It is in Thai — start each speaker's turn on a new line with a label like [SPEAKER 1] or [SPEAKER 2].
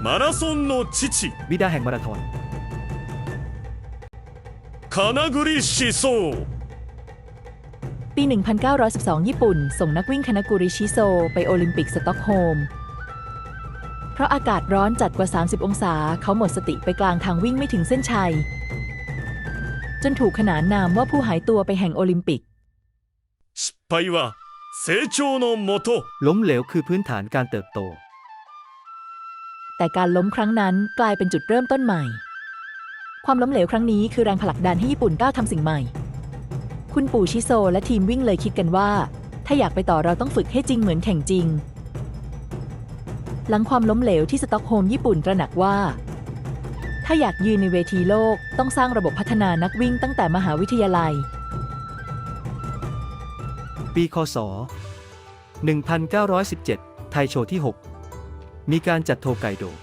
[SPEAKER 1] マラソンの父
[SPEAKER 2] บิดาแห่งมาราธอน
[SPEAKER 1] 金栗思想
[SPEAKER 3] ปี 1912 ญี่ปุ่น ส่งนักวิ่งคานากุริชิโซไปโอลิมปิกสต็อกโฮล์ม เพราะอากาศร้อนจัดกว่า 30 องศา เขาหมดสติไปกลางทางวิ่งไม่ถึงเส้นชัย จนถูกขนานนามว่าผู้หายตัวไปแห่งโอลิมปิก
[SPEAKER 1] 失敗は成長のもと
[SPEAKER 2] ล้มเหลวคือพื้นฐานการเติบโต
[SPEAKER 3] แต่การล้มครั้งนั้นกลายเป็นจุดเริ่มต้นใหม่ ความล้มเหลวครั้งนี้คือแรงผลักดันให้ญี่ปุ่นก้าวทำสิ่งใหม่ คุณปู่ชิโซและทีมวิ่งเลยคิดกันว่า ถ้าอยากไปต่อเราต้องฝึกให้จริงเหมือนแข่งจริง หลังความล้มเหลวที่สต็อกโฮล์มญี่ปุ่นตระหนักว่า ถ้าอยากยืนในเวทีโลกต้องสร้างระบบพัฒนานักวิ่งตั้งแต่มหาวิทยาลัย
[SPEAKER 2] ปีคศ 1917 ไทโชว์ที่ 6 มีการจัดโทไกโด